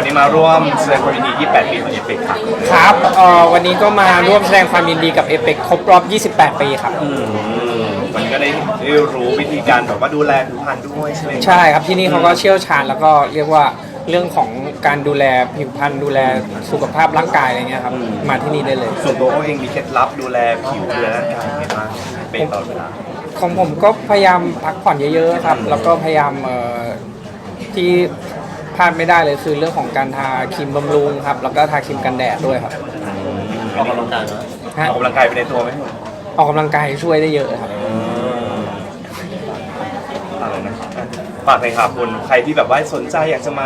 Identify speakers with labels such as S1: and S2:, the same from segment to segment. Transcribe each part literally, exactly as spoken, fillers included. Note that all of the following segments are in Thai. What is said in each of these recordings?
S1: วันนี้มาร่วมแสดงความยินดียี่สิบแปดปีของเอเปกครับ
S2: ครับเอ่อวันนี้ก็มาร่วมแสดงความยินดีกับเอเปกครบรอบ ยี่สิบแปด ปีครับ
S1: วันนี้ก็ได้ได้รู้วิธีการแบบว่าดูแลผิวพรรณด้วยใช่ไหม
S2: ใช่ครับที่นี่เขาก็เชี่ยวชาญแล้วก็เรียกว่าเรื่องของการดูแลผิวพรรณดูแลสุขภาพร่างกายอะไรเงี้ยครับมาที่นี่ได้เลย
S1: ส่วนตัวเขาเองมีเคล็ดลับดูแลผิวดูแลร่างกายยังไงบ้างเป็นตลอดเวลา
S2: ของผมก็พยายามพักผ่อนเยอะๆครับแล้วก็พยายามเอ่อที่พลาดไม่ได้เลยคือเรื่องของการทาครีมบำรุงครับแล้วก็ทาครีมกันแดดด้วยครับ
S1: ออกกำลังกายไหมออกกำลังกายไปในตัวไหม
S2: ออกกำลังกายช่วยได้เยอะครับ
S1: อะไรนะฝากเลยครับคุณใครที่แบบว่าสนใจอยากจะมา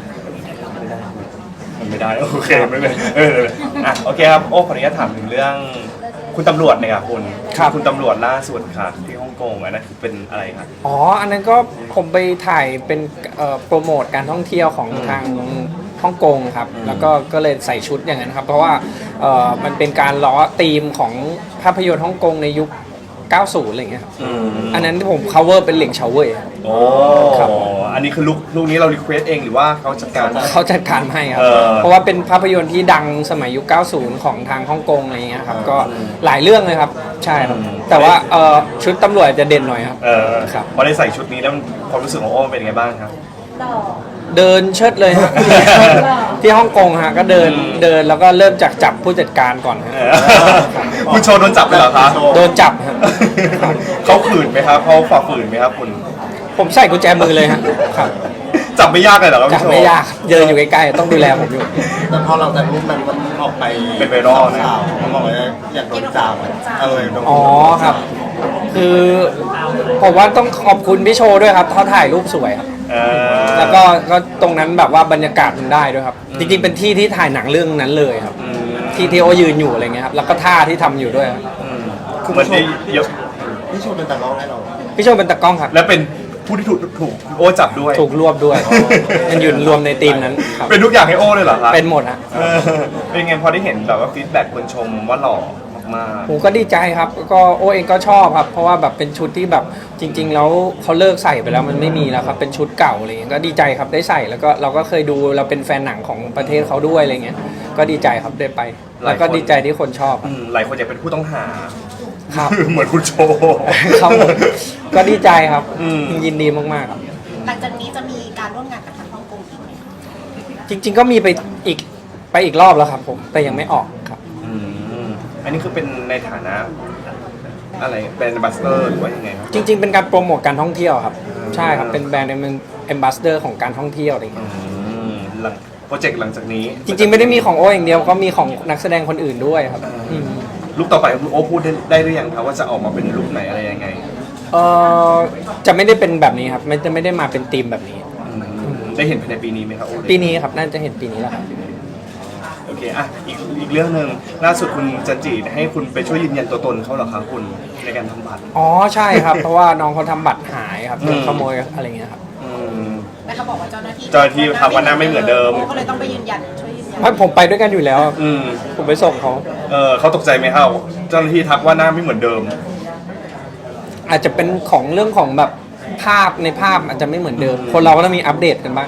S1: ไม่ได้โอเคไม่เป็นเอออ่ะโอเคครับโอ้ขออนุญาตถามถึงเรื่องคุณตำรวจเนี่ยครับคุณคุณตำรวจล่าสุดค่ะที่ฮ่องกงอันนั้นคือเป็นอะไรครับ
S2: อ๋ออันนั้นก็ผมไปถ่ายเป็นโปรโมทการท่องเที่ยวของทางฮ่องกงครับแล้วก็ก็เลยใส่ชุดอย่างนั้นครับเพราะว่ามันเป็นการล้อธีมของภาพยนตร์ฮ่องกงในยุคเก้าสิบอะไรอย่างเงี้ยครับอันนั้นที่ผม cover เป็นเหลียงเฉาเว่ย
S1: โอ้ครับอันนี้คือลุคลุคนี้เรารีเควสเองหรือว่าเขาจัดการ
S2: เขาจัดการให้ครับเพราะว่าเป็นภาพยนตร์ที่ดังสมัยยุคเก้าสิบของทางฮ่องกงอะไรอย่างเงี้ยครับก็หลายเรื่องเลยครับใช่ครับแต่ว่าชุดตำรวจจะเด่นหน่อยครับ
S1: เออครับพอได้ใส่ชุดนี้แล้วความรู้สึกของโอ้เป็นยังไงบ้างครับ
S2: เดินเชิดเลยฮะที่ฮ่องกงฮะก็เดินเดินแล้วก็เริ่มจากจับผู้จัดการก่อนฮะ
S1: คุณโชว์โดนจับไปเหรอครับ
S2: โดนจับฮะ
S1: เขาขืนไหมครับเขาฝ่าฝืนไหมครับคุณ
S2: ผมใส่กุญแจมือเลยฮะครับ
S1: จับไม่ยากเลยเหรอครับ
S2: จับไม่ยากเดินอยู่ใกล้ๆต้องดูแลผมอยู่
S3: แต่พอหลังจากนี้มันมันออกไป
S1: เป็นไวรัลนะ
S3: มันบอกว่าอยากโดนจับเออ
S2: อ๋อครับคือผมว่าต้องขอบคุณพี่โชว์ด้วยครับเขาถ่ายรูปสวยครับแล้วก็ก็ตรงนั้นแบบว่าบรรยากาศมันได้ด้วยครับจริงๆเป็นที่ที่ถ่ายหนังเรื่องนั้นเลยครับที่ที่โอยืนอยู่อะไรเงี้ยครับแล้วก็ท่าที่ทำอยู่ด้วย
S1: คือมันได้เยอะ
S3: พี่โชว์เป็นตากล้องให้เรา
S2: พี่โชว์เป็นตากล้องครับ
S1: แล้วเป็นผู้ที่ถูกถูกโอจับด้วย
S2: ถูกรวบด้วยมันอยู่รวมในทีมนั้น
S1: เป็นทุกอย่างให้โอเลยเหรอครับ
S2: เป็นหมดฮะ
S1: เป็นไงพอได้เห็นแบบว่าฟีดแบ็กคนชมว่าหล่อ
S2: ผมก็ดีใจครับก็โอเองก็ชอบครับเพราะว่าแบบเป็นชุดที่แบบจริงๆแล้วเขาเลิกใส่ไปแล้วมันไม่มีแล้วครับเป็นชุดเก่าอะไรเงี้ยก็ดีใจครับได้ใส่แล้วก็เราก็เคยดูเราเป็นแฟนหนังของประเทศเขาด้วยอะไรเงี้ยก็ดีใจครับได้ไปแล้วก็ดีใจที่คนชอบ
S1: หลายคนอยากเป็นผู้ต้องหา
S2: ครับ
S1: เหมือนคุณโชว์
S2: ครับก็ดีใจครับยินดีมากๆครับ
S4: หลังจากนี้จะมีการร่วมงานกับทางฮ่องกงอีกไหม
S2: จริงๆก็มีไปอีกไปอีกรอบแล้วครับผมแต่ยังไม่ออกครับ
S1: อันนี้คือเป็นในฐานะอะไรเป็นแอมบาสเดอร์หรือว่ายังไงครับ
S2: จริงๆเป็นการโปรโมทการท่องเที่ยวครับใช่ครับเป็นแบรนด์เป็นแอมบาสเดอร์ของการท่องเที่ยวอะไรอย่างเงี้ย
S1: หลังโปรเจกต์หลังจากนี้
S2: จริงๆไม่ได้มีของโออย่างเดียวก็มีของนักแสดงคนอื่นด้วยครับ
S1: ลุคต่อไปโอพูดได้หรือยังครับว่าจะออกมาเป็นลุคไหนอะไรยังไง
S2: เออจะไม่ได้เป็นแบบนี้ครับไม่จะไม่ได้มาเป็นธีมแบบนี้
S1: ได้เห็นภายในปีนี้ไหมครับโอ
S2: ปีนี้ครับน่าจะเห็นปีนี้แหละครับ
S1: โอเคอ่ะอีกอีกเรื่องหนึ่งล่าสุดคุณจันจีให้คุณไปช่วยยืนยันตัวตนเขาเหรอครับคุณในการทำบัตร
S2: อ๋อใช่ครับเพราะว่าน้องเขาทำบัตรหายครับโดนขโมยอะไรเงี้ยครับ
S4: แล้วเขาบอกว่าเจ้าหน้าที่
S1: เจ้าหน้าที่ทำวันหน้าไม่เหมือนเดิม
S4: ก็เลยต้องไปยืนยันช่วยยืนยัน
S2: ไม่ผมไปด้วยกันอยู่แล้วผมไปส่งเขา
S1: เออเขาตกใจไหมครับเจ้าหน้าที่ทักว่าหน้าไม่เหมือนเดิม
S2: อาจจะเป็นของเรื่องของแบบภาพในภาพอาจจะไม่เหมือนเดิมคนเราก็ต้องมีอัปเดตกันบ้าง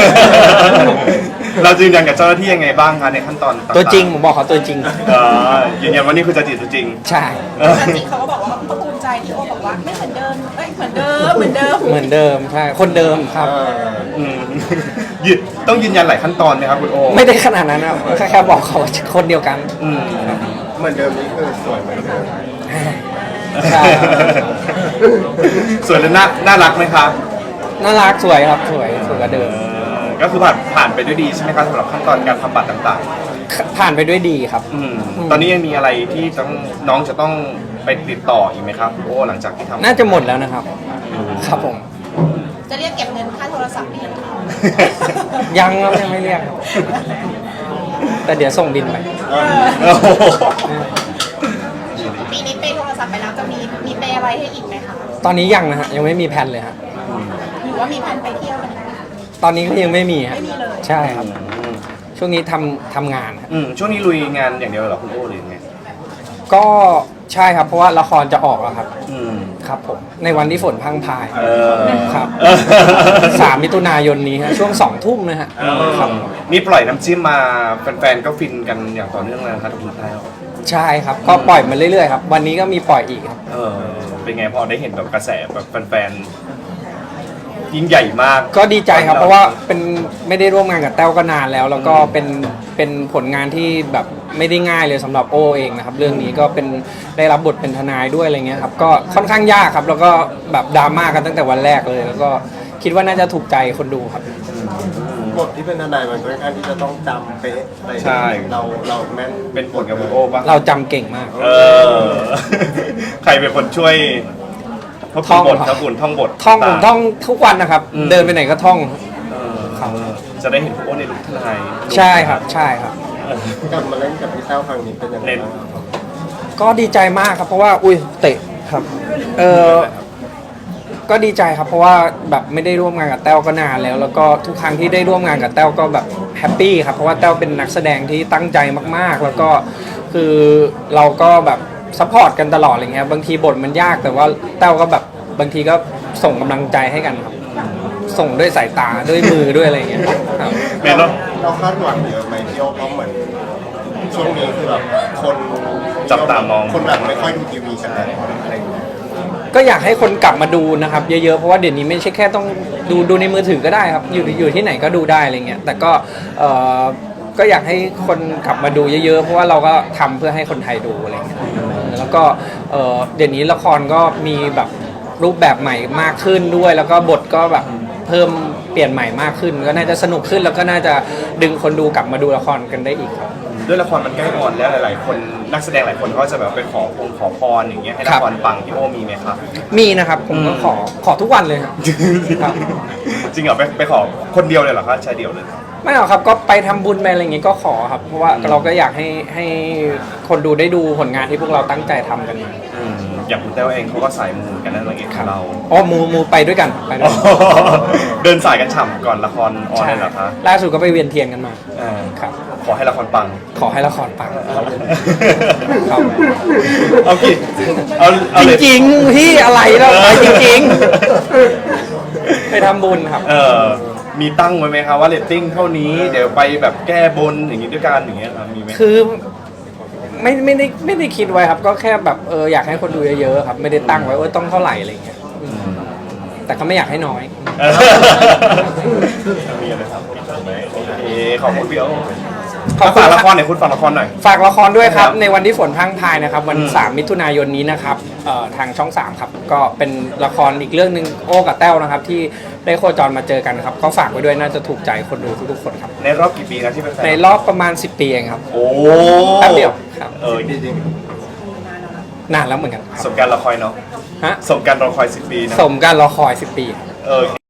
S1: เรายืนยันกับเจ้าหน้าที่ยังไงบ้างคะในขั้นตอน
S2: ตัวจริงผมบอกเขาตัวจริง
S1: ยืนยันว่านี่คือจันจีตัวจริง
S2: ใช่
S4: จริงเขาก็บอกว่าเขาภูมิใจที่โอบอกว่าไม่เหมือนเดิมเอ้ยเหมือนเดิมเหมือนเดิม
S2: เหมือนเดิมใช่คนเดิมครับ
S1: ต้องยืนยันหลายขั้นตอนไหมครับคุณโอ
S2: ไม่ได้ขนาดนั้นนะแค่แค่บอกเขาคนเดียวกัน
S3: เหมือนเดิมนี่คือสวยเหมือนเดิม
S2: ใช่
S1: สวยและน่าน่ารักไหมครับ
S2: น่ารักสวยครับสวยสวยกว่าเดิม
S1: ก็คือผ่านผ่านไปด้วยดีใช่ไหมครับสำหรับขั้นตอนการทำบัตรต่าง
S2: ๆผ่านไปด้วยดีครับ
S1: ตอนนี้ยังมีอะไรที่ต้องน้องจะต้องไปติดต่ออีกไหมครับโอ้หลังจากที่ทำ
S2: น่าจะหมดแล้วนะครับครับผม
S4: จะเรียกเก็บเงินค่าโทรศัพท์หรือยัง
S2: ยังครับยังไม่เรียกแต่เดี๋ยวส่งบินไป
S4: ปีนี้เปย์โทรศัพท์ไปแล้วจะมีมีเปย์อะไรให้อีกไหมคะ
S2: ตอนนี้ยังนะฮะยังไม่มีแผนเลยฮะ
S4: หรือว่ามีแผนไปเที่ยวกัน
S2: ตอนนี้ก็ยังไม่มีฮะ
S4: ไม่มีเลย
S2: ใช่ครับช่วงนี้ทำทำงาน
S1: อืมช่วงนี้ลุยงานอย่างเดียวเหรอคุณโอ้หรือไง
S2: ก็ใช่ครับเพราะว่าละครจะออกแล้วครับ
S1: อืม
S2: ครับผมในวันที่ฝนพรังพราย
S1: เออ
S2: ครับ
S1: เออ
S2: สามมิถุนายนนี้ฮะช่วงสองทุ่มนะฮะครับ
S1: นี่ปล่อยน้ำจิ้มมาแฟนๆก็ฟินกันอย่างต่อเนื่องเลยนะครับทุกท่าน
S2: ใช่ครับก็ปล่อยมาเรื่อยๆครับวันนี้ก็มีปล่อยอีกครับ
S1: เออเป็นไงพอได้เห็นแบบกระแสแบบแฟนๆยิ่งใหญ่มาก
S2: ก็ดีใจครับเพราะว่าเป็นไม่ได้ร่วมงานกับแต้วก็นานแล้ว แล้วก็เป็นเป็นผลงานที่แบบไม่ได้ง่ายเลยสำหรับโอเองนะครับเรื่องนี้ก็เป็นได้รับบทเป็นทนายด้วยอะไรเงี้ยครับก็ค่อนข้างยากครับแล้วก็แบบดราม่ากันตั้งแต่วันแรกเลย แล้วก็คิดว่าน่าจะถูกใจคนดูครับ
S3: บทที่เป็นทนายมันค่อนข้างที่จะต้องจำเป๊ะอะไร
S1: ใช่
S3: เราเราแม่น
S1: เป็นผลกับคุณโอ้ปะ
S2: เราจำเก่งมาก
S1: เออ ใครเป็นคนช่วยทบทวนบทครับคุณท่องบท
S2: ท่องผมท่องทุกวันนะครับ
S1: อืม
S2: เดินไปไหนก็ท่อง
S1: เออจะได้เห็นคุณโอ้ในลุคทนาย
S2: ใช่ครับใช่ครับ
S3: กลับมาเล่นกับพี่แต้วครั้งนี้เป็นยังไง
S1: เล่น
S3: บ้างครับ
S2: ก็ดีใจมากครับเพราะว่าอุ้ยเตะครับเออก็ดีใจครับเพราะว่าแบบไม่ได้ร่วมงานกับแต้วก็นานแล้ว แล้วก็ทุกครั้งที่ได้ร่วมงานกับแต้วก็แบบแฮปปี้ครับเพราะว่าแต้วเป็นนักแสดงที่ตั้งใจมากๆ แล้วก็คือเราก็แบบซัพพอร์ตกันตลอดอะไรเงี้ยบางทีบทมันยากแต่ว่าแต้วก็แบบบางทีก็ส่งกำลังใจให้กันครับส่งด้วยสายตาด้วยมือด้วยอะไรเงี้ยครับ
S1: แม่เนาะ
S3: เราคาดหวังเยอะไหมพี่โอเพราะเหมือนช่วงนี้คือแบบคน
S1: จับตามอง
S3: คนแบบไม่ค่อยดูทีวีกันแล้วอะไรอย่างเงี้ย
S2: ก็อยากให้คนกลับมาดูนะครับเยอะๆเพราะว่าเดี๋ยวนี้ไม่ใช่แค่ต้องดูดูในมือถือก็ได้ครับอยู่อยู่ที่ไหนก็ดูได้อะไรเงี้ยแต่ก็เอ่อก็อยากให้คนกลับมาดูเยอะๆเพราะว่าเราก็ทำเพื่อให้คนไทยดูอะไรเงี้ยแล้วก็เอ่อเดี๋ยวนี้ละครก็มีแบบรูปแบบใหม่มากขึ้นด้วย แล้วก็บทก็แบบเพิ่มเปลี่ยนใหม่มากขึ้น ก็น่าจะสนุกขึ้นแล้วก็น่าจะดึงคนดูกลับมาดูละครกันได้อีกครับ
S1: ด้วยละครมันใกล้ออนแล้วหลาย ๆ คนนักแสดงหลายคนก็จะแบบไปขอพงขอพรอย่างเงี้ยให้
S2: ครั
S1: ละ
S2: บ
S1: ครปังพี่โอมีไหมครับ
S2: มีนะครับผมก็
S1: อืม
S2: ขอขอทุกวันเลยครับ ครับ
S1: จริงเหรอไปไปขอคนเดียวเลยเหรอครับชายเดียวเลย
S2: ไม่หรอกครับก็ไปทำบุญไปอะไรอย่างงี้ก็ขอครับเพราะว่าเราก็อยากให้ให้คนดูได้ดูผลงานที่พวกเราตั้งใจทำกันมา
S1: อืมอย่างคุณแต้วเองเขาก็สายมูกันนั่นอะไรเงี้ยเรา
S2: อ๋อมูมูไปด้วยกันไปด้วยกัน
S1: เดินสายกันฉ่ำก่อนละครออนเลยเหรอคะ
S2: ล่าสุดก็ไปเวียนเทียนกันมา
S1: อ่า
S2: ครับ
S1: ขอให้ละครปัง
S2: ขอให้ละครปัง ครับ
S1: เอากี่เอาเอา
S2: จ
S1: เลย
S2: ริงๆพี่อะไรแล้วไปจริงๆ ไปทำบุญครับ
S1: เออมีตั้งไว้ไหมครับว่าเรตติ้งเท่านี้เดี๋ยวไปแบบแก้บนอย่างงี้ด้วยกันอย่างเงี้ยครับมีไหม
S2: คือไม่ไม่ได้ไม่ได้คิดไว้ครับ ก็แค่แบบเอออยากให้คนดูเยอะๆครับไม่ได้ตั้งไว้ว่าต้องเท่าไหร่อะไรอย่างเงี้ยอืมแต่ก็ไม่อยากให้น้อย
S1: เออมีอะไรครับไหมโอเคขอบคุณพี่โอ
S2: ขอบคุณ
S1: ฝากละครหน่อยคุณฝากละครหน่อย
S2: ฝากละครด้วยครับ
S1: ครับ
S2: ในวันที่ฝนพรังพรายนะครับ วัน
S1: อืม
S2: สามมิถุนายนนี้นะครับเอ่อทางช่องสามครับ ก็เป็นละครอีกเรื่องหนึ่งโอ้กับแต้วนะครับ ที่ได้โคจรมาเจอกันครับ ก็ฝากไว้ด้วยน่าจะถูกใจคนดูทุกๆคนครับ
S1: ในรอบกี่ปีนะที่เป็นแฟน
S2: ในรอบประมาณสิบปีเองครับ
S1: โอ้
S2: แป๊บเดียวครับ
S1: เออ
S3: จริง
S2: นานแล้วเหมือนกันค
S1: ส
S2: รับ
S1: มการรอคอยเนาะ
S2: ฮะ
S1: สมการรอคอยสิบปีนะ
S2: สมการรอคอยสิบปี
S1: เออ